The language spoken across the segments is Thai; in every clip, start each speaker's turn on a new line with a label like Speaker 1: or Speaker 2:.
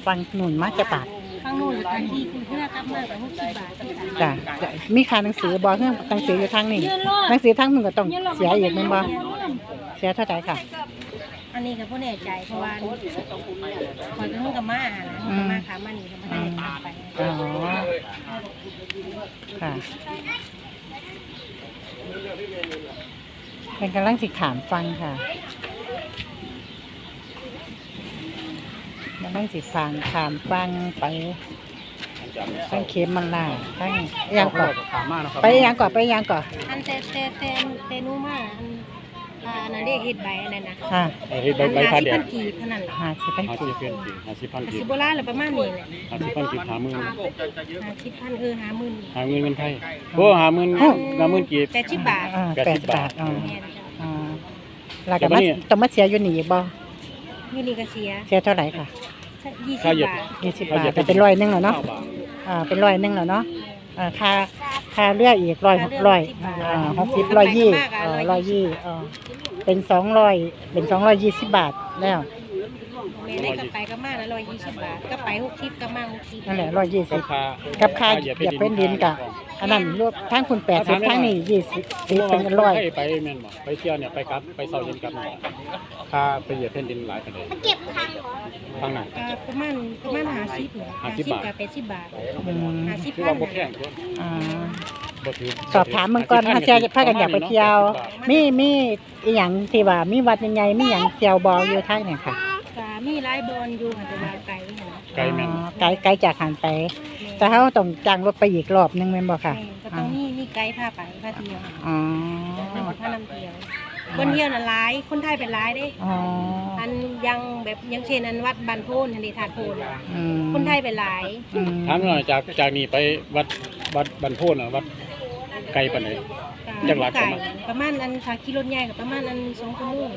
Speaker 1: ฟังหนุนมาจะบาท
Speaker 2: ข้างโน้นทันทีคือเพื่อกลับมากับ60 บาท
Speaker 1: จ้ะมีค่าหนังสือบ่เฮือหนังสืออยู่ทางนี้หนังสือทางมึงก็ต้องเสียอีกแม่นบ่เสียเท่าใดค่ะ
Speaker 2: อันนี้ก็บ่แน่ใจเพราะว่าคอยก็เพิ่งกับมานะมาขามานี่ก็ไม่ได้ตามไป
Speaker 1: อ๋อค่ะเป็นกำลังสิขามฟังค่ะกำลังสิฟังขามฟังไปทั้งเข็มมันล่าทั้งยังก่อนไปยังก่อนไปยังก่อน
Speaker 2: อันแต่นู้มาอันนั่นเรียกเฮ็ดใบอันนั้นนะ
Speaker 1: ค่ะ
Speaker 3: เฮ็ดใบพาแดง
Speaker 2: 50,000 กีบเท่านั้นแหละ
Speaker 1: 50,000
Speaker 3: 50,000
Speaker 1: กีบ
Speaker 3: กีบ50,000 กี
Speaker 2: สิ
Speaker 3: บ
Speaker 2: โบราณแล้วประมาณนี้แหละ
Speaker 3: 50,000 กีบ50,000
Speaker 2: 50,000 50,000
Speaker 3: หาเงินเงินไทยโอ้50,000กีบ
Speaker 2: 80 บาท
Speaker 1: 80 บาทอ๋อ
Speaker 2: แม่นจ้ะ
Speaker 1: อ๋อแล้วก็มาต้องมาเสียอยู่นี่บ่
Speaker 2: มีนี่ก็เสีย
Speaker 1: เสียเท่าไหร่ค่ะ
Speaker 2: 20 บาท
Speaker 1: 20 บาทแต่เป็น100นึงแล้วเนาะเป็น100นึงแล้วเนาะค่าเรืออีก100 60 120เป็น200เป็น220 บาทแล้ว
Speaker 2: แม่ได้กลับไปก็มาแล้ว120 บาทกลับไป60ก็มา60
Speaker 1: นั่นแหละ
Speaker 3: รา
Speaker 1: 120
Speaker 3: คา
Speaker 1: กับค่าเหยียบเป็นดินกะอันนั้นรวมทั้งคุณ80ทั้งนี้20ตีเป็น100
Speaker 3: ไปแม่นบ่ไปเที่ยวเนี่ยไปกลับไปเซาเย็นกลับค่าไปเหยียบแผ่นดินหลายปานใดเก็บทางไหน
Speaker 2: ประมาณ50เนี่ย50กับ80 บาท 50
Speaker 3: คือว่าบ่แพง
Speaker 1: อ่า
Speaker 3: บ่ถือ
Speaker 1: สอบถามเมืองก่อนถ้าเสียพากันอยากไปเที่ยวมีอีหยังที่ว่ามีวัดใหญ่ๆมีหยังเที่ยวบ่อยู่ทางนี่ค่ะ
Speaker 2: ก็มีหลายบอนอยู่ค่ะแต่ว่าไกลค่ะ
Speaker 3: ไกลแม่น
Speaker 1: ไกลจากหันไป แต่เขาต้องจ้างรถไปอีกรอบนึงแม่นบ่ค่ะ
Speaker 2: ก็ต้องมีไกด์พาไปพาเที่ยว
Speaker 1: อ๋อ
Speaker 2: พานำเที่ยวคนเที่ยวน่ะหลายคนไทยเป็นหลายเด้
Speaker 1: อ๋อ
Speaker 2: อันยังแบบยังเช่นอันวัดบันโพนอันนี้ถาดโพน
Speaker 1: อืม
Speaker 2: คนไทยเป็นหลาย
Speaker 3: ถามหน่อยจากนี้ไปวัดบันโพนน่ะวัดไกลปานใด จักรหลัก
Speaker 2: ไก่ประมาณอันถ้าขี่รถใหญ่ก็ประมาณอัน2 ชั่วโมง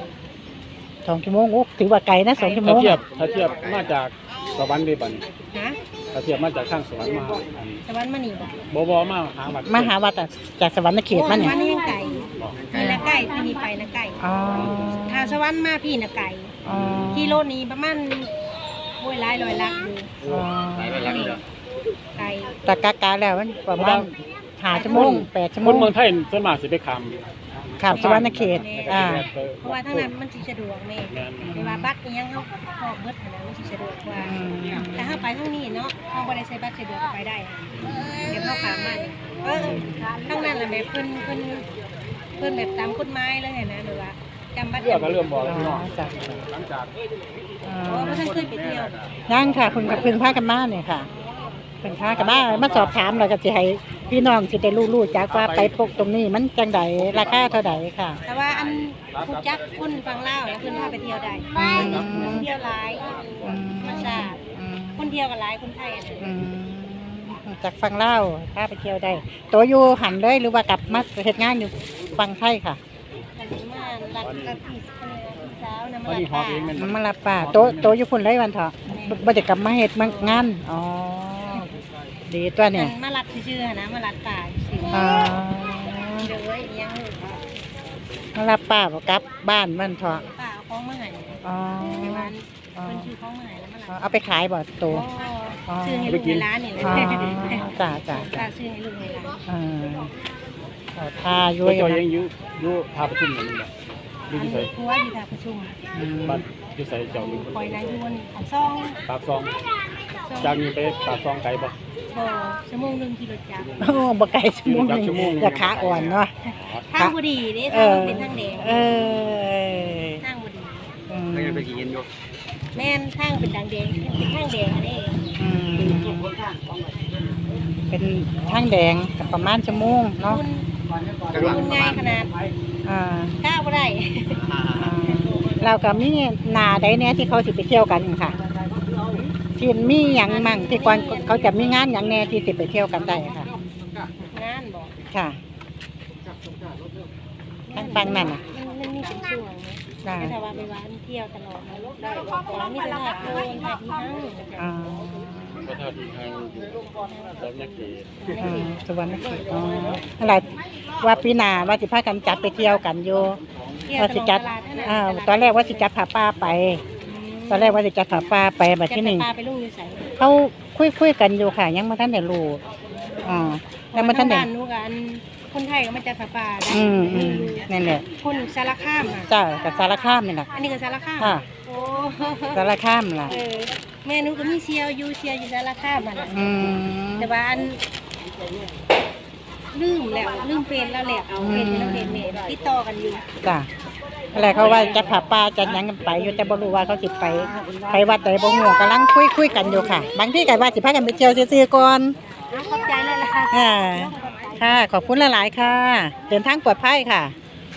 Speaker 1: 2 ชั่วโมงโอ้ถือว่าไกลนะ2 ชั่วโม
Speaker 3: ถ้าง เทียบมาจากสวรรค์ได้บัดนี้
Speaker 2: นะ
Speaker 3: ถ้าเทียบมาจากข้างสวรรค์มา
Speaker 2: สวรรค์มานี่บ่
Speaker 3: บ่มาหาวัด
Speaker 1: มหาวัดอะจากสวรรค์เขตมาเนี่ย
Speaker 2: นี่ยังไก่นี่ละไก่ที่นี่ไปนะไก่
Speaker 1: อ๋อ
Speaker 2: ถ้าสวรรค์มาพี่นะไก่
Speaker 1: อ๋อ
Speaker 2: กิโลนี้ประมาณโอ้ยหลายร้อยลักอยู่
Speaker 1: อ๋อ
Speaker 2: ไก่
Speaker 1: แต่กาแล้วมันประมาณ5 ชั่วโมง8 ชั่วโม
Speaker 3: คน
Speaker 1: ง
Speaker 3: เมืองไทยส่วนมากสิไปข้าม
Speaker 1: ขับสวรรค์เขตอ่า
Speaker 2: เพราะว่าถ้านั้นมันสิสะดวกแม่เวลาบัตรอิหยังเฮาพอกเบิดหั้นนะมันสิสะดวกกว่าแต่ถ้าไปทางนี้เนาะเฮาบ่ได้ใช้บัตรสะดวกก็ไปได้เดี๋ยวเฮาขามมาทางนั้นน่ะแบบเพิ่นแบบตามกฎหมายเลยนะหรือว่าจำบัตร
Speaker 3: เรือก็เริ่มบอก
Speaker 1: อ๋
Speaker 3: แล้วพี่น้อง
Speaker 1: อจ้ะ
Speaker 3: หลังจาก
Speaker 2: เพราะว่าท่านเคยไปเที่ยว
Speaker 1: ยังค่ะคุณกับคุณพากันมาเนี่ยค่ะคุณพากันมาสอบถามเราก็จะให้พี่น้องสิได้รู้จักว่าไปพกตรงนี้มันจังใดราคาเท่าใดค่ะ
Speaker 2: แต่ว่าอันผู้จักคนฟังเล่าวแล้วเพิ่นพาไปเที่ยวได้เที่ยวหลายธรรมชาติคนเที่ยวกับหลายคนไทยอันนั้น
Speaker 1: อืมจากฟังเล่าวพาไปเที่ยวได้ตัวอยู่หันเลยหรือว่ากลับมาเฮ็ดงานอยู่ฟังไทยค่ะ
Speaker 2: กันมารักกับพี่สาวนำ
Speaker 3: วัน
Speaker 2: มา
Speaker 3: นี้ฮอดเองแม่น
Speaker 1: มันมารับป้าโตอยู่พุ่นเลยวันเถาะบ่จะกลับมาเฮ็ดงานอ๋อดีตัวเนี่ย
Speaker 2: มารัดชื่อๆนะมารัดป่าชื่อ
Speaker 1: อ๋อ
Speaker 2: เด้อยัง
Speaker 1: มารับป้าบ่กลับบ้านมันเถาะ
Speaker 2: ป่าเอาของมาให้
Speaker 1: อ๋อ
Speaker 2: ในวันเพิ่นชื่อของมาให้แล้วมารัด
Speaker 1: เอาไปขายบ่โต
Speaker 2: ชื่อให้ลูกในร้านนี่แหละ
Speaker 1: อ๋อจ้า
Speaker 2: ป่าชื่อให้ลูกในร้าน
Speaker 1: เอาทาอยู่
Speaker 3: เจ้ายังอยู่ท่าประชุมนั่นแหละอยู่ที่ไส
Speaker 2: ครัวอยู่ท่าประชุม
Speaker 3: บ้านอยู่ไสเจ้าอยู่
Speaker 2: คอยนายอยู่บนของซอง
Speaker 3: ปากซองจากนี้ไปปากซองไกลบ่
Speaker 2: บ่ชั่วโมงนึงขี่รถจักร
Speaker 1: โอ้บ่ไกลชั่วโมงนึงอย่าขาอ่อนเนาะ
Speaker 2: ทางบ่ดีเด้ทางเป็นทางแดง
Speaker 1: อ
Speaker 2: ทางบ่ดี
Speaker 3: ไม่ได้ไปกินอยู่
Speaker 2: แม่นทางเป็นทางแดงเป็นทางแดงอันนี้
Speaker 1: เป็นทางแดงกับประมาณชั่วโมงเนาะ
Speaker 2: คุณง่ายขนาด
Speaker 1: อ่า
Speaker 2: ก้าวบ่ได้
Speaker 1: เราก็มีหนาใดเนี่ยที่เขาสิไปเที่ยวกันค่ะที่มีหยังมั่งที่ก่อนเขาจะมีงานหยังแน่ที่สิไปเที่ยวกันได้ค่ะ
Speaker 2: งานบ่
Speaker 1: ค่ะทางฟังนั่นน่ะ
Speaker 2: มันมีเป็นช่วงนะแต่ว่าไปว่าเที่ยวตลอดนะได้บ่มีตลาดโดนหาที่นั่ง
Speaker 1: อ่า
Speaker 3: ก็เท่าที่ทางอยู่สำนักเขต
Speaker 1: สวรรค์เขตอ๋ออะไรว่าปีหน้าว่าสิพากันจัดไปเที่ยวกันอยู่
Speaker 2: เที่ยว
Speaker 1: ว่า
Speaker 2: ต
Speaker 1: สิ
Speaker 2: ลอด
Speaker 1: จัด
Speaker 2: ตลาดนั่น
Speaker 1: ตอนแรกว่าสิจัดผาป้าไปตอนแรกว่าจะจัดป่าไปแบบที่หนึ่ง
Speaker 2: จะพาไปลุงอยู่ไส
Speaker 1: เขาคุยกันอยู่ค่ะ ยังไม่ทันได้รู้ยังไม่ทันได้
Speaker 2: บ้านหนูกับอันคนไทยก็มาจัดผ้าป่าได้
Speaker 1: นั่นแหละ
Speaker 2: คนสารคามค่ะ
Speaker 1: จ้ากับสารคามนี่แหละ
Speaker 2: อันนี้ก็สารคาม
Speaker 1: ค่ะ
Speaker 2: โอ้
Speaker 1: สารคามล่ะ
Speaker 2: แม่หนูก็มีเชียวอยู่สารคามมันน่ะ แต่ว่าอันลืมเฟซแล้วแหละเอาเฟซแล้วเฟซเมย์ติดต่อกันอยู่
Speaker 1: จ้าอะไรเขาว่าจะผ่าป่าจะหยังกันไปอยู่แต่บ่รู้ว่าเขาสิไปวัดใดบ่ฮู้กำลังคุยกันอยู่ค่ะ บางที่ก็ว่าสิพากันไปเที่ยวซื่อๆก่อน
Speaker 2: ขอบใจเลยล่ะ
Speaker 1: ค่ะ ขอบคุณหลายๆค่ะ เดินทางปลอดภัยค่ะ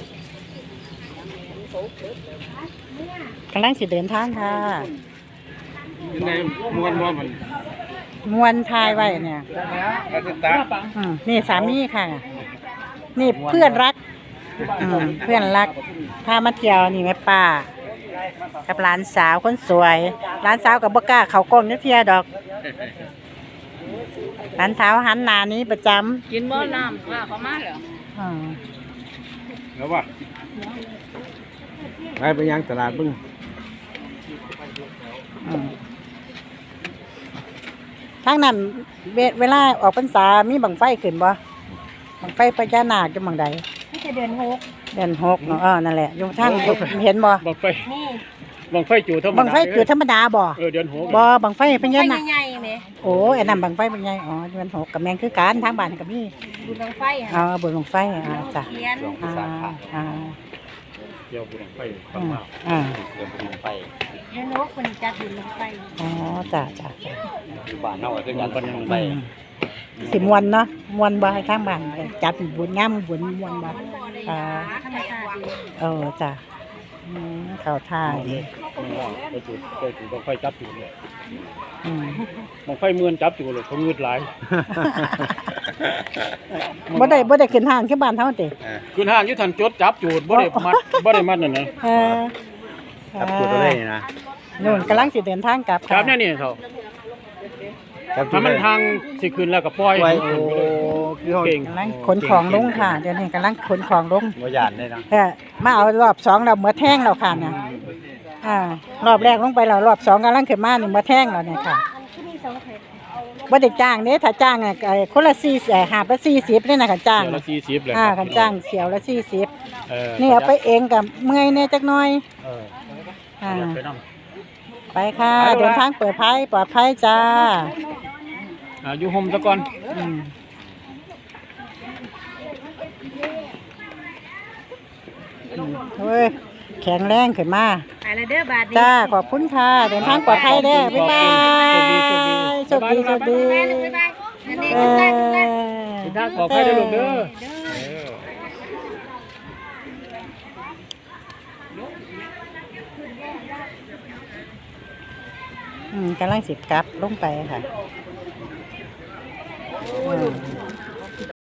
Speaker 1: กำลังสิเดินทางค่ะ
Speaker 3: ยังไงม้วนมัน
Speaker 1: มวนทายไว้เนี่ย
Speaker 3: อาจารย์
Speaker 1: นี่สามีค่ะ นี่เพื่อนรักเพื่อนรักพามาเที่ยวนี่แม่ป้ากับหลานสาวคนสวยหลานสาวกับบ่กล้าเขากล้องนักเที่ยวดอกหลานสาวหันหน้านี้ประจำ
Speaker 4: กินบ่น้ำว่าเขามาเหรอ
Speaker 3: แล้วว่าไปยังตลาดบึ้ง
Speaker 1: ทางนั้นเวลาออกพรรษามีบังไฟขึ้นบ่บังไฟพญานาคอยู่บังใด
Speaker 2: ไม่ใช่เดือน6
Speaker 1: เดือน6เนาะนั่นแหละอยู่ทางเห็นบ่
Speaker 3: บังไฟ
Speaker 2: นี่
Speaker 3: บังไฟจู่ธรรมดา
Speaker 1: บังไฟคือธรรมดาบ่
Speaker 3: เดือน6
Speaker 1: บ่บังไฟพญา
Speaker 2: ไฟ
Speaker 1: นาค
Speaker 2: ใหญ่ๆแหม
Speaker 1: โอ้อันนั้นบังไฟเป็นไงอ๋อเดือน6กับแมงคือกันทางบ้านก็มี
Speaker 2: บุญบังไฟ
Speaker 1: อ๋อ
Speaker 2: ค่ะ
Speaker 1: บุญบังไฟจ้ะ
Speaker 2: เทียน
Speaker 1: อ่า
Speaker 3: เดี๋ยวบุญบังไฟฟังมา
Speaker 4: เดือนบุญไป
Speaker 2: เดือน6คนจัดบุญบังไฟ
Speaker 1: อ๋อจ้ะ
Speaker 4: อยู่บ้านเฮาก็คือกันบุญไป
Speaker 1: สิมวนเนาะมวนบ่ให้ทางบ้านจัดบุญงามบุญมวนบ่
Speaker 2: ธรรมชาติดี
Speaker 1: จ้ะเข้าท่า
Speaker 3: ไปจู่บังไฟจับจู่เลย
Speaker 1: อืม
Speaker 3: บังไฟเมือนจับจู่เลยเขางืดหลาย
Speaker 1: บ่ได้ขึ้นห้างคือบ้านเฮาติ
Speaker 3: คุณห้างยุทธันจดจับจูดบ่ได้มัดนั่นนะ
Speaker 4: จับตัวตัวได้นะ
Speaker 1: นู่นกำลังสิเดินทางกลับ
Speaker 3: ครับเนี่ยเขา
Speaker 4: จับตั
Speaker 3: ถ้าว มัน
Speaker 4: ได้
Speaker 3: ทางสิขึ้นแล้วก็ปล่อย
Speaker 4: ไว้โอ้คือเฮา
Speaker 3: เก่ง
Speaker 1: กำลังขนของลงค่ะเดี๋ยวนี้กำลังขนของลง
Speaker 4: บ่ย่านได้นะ
Speaker 1: มาเอารอบ2แล้วมื้อแท่งแล้วค่ะเนี่ยรอบแรกลงไปแล้วรอบ2กำลังขึ้นมานี่มื้อแท่งแล้วเนี่ยค่ะ
Speaker 2: ที่นี่2เทป
Speaker 1: บ่ได้จ้างเด้ถ้าจ้างคนละ4หาบละ40เลยนะคันจ้าง
Speaker 3: เดี๋ยวละ40เลย
Speaker 1: คันจ้างเสียวละ40
Speaker 3: นี่
Speaker 1: นี่เอาไปเองกับเมื่อยแน่จักหน่อย
Speaker 3: ไปนำ
Speaker 1: ไปค่ะเดินทางปลอดภัยจ้า
Speaker 3: อยู่ห่มซะก่อน
Speaker 1: เฮ้ยแข็งแรงขึ้นมา
Speaker 2: ไปแล้วเด้อบาทนี้
Speaker 1: จ้าขอบคุณค่ะเดินทางปลอดภัยเด้อบ๊ายบายโชคดี
Speaker 2: บ๊ายบายอันนี้ก็ได้ก็ได้
Speaker 3: สิทางขอให้ได้ลูกเด้อ
Speaker 1: กำลังสิกลับลงไปค่ะ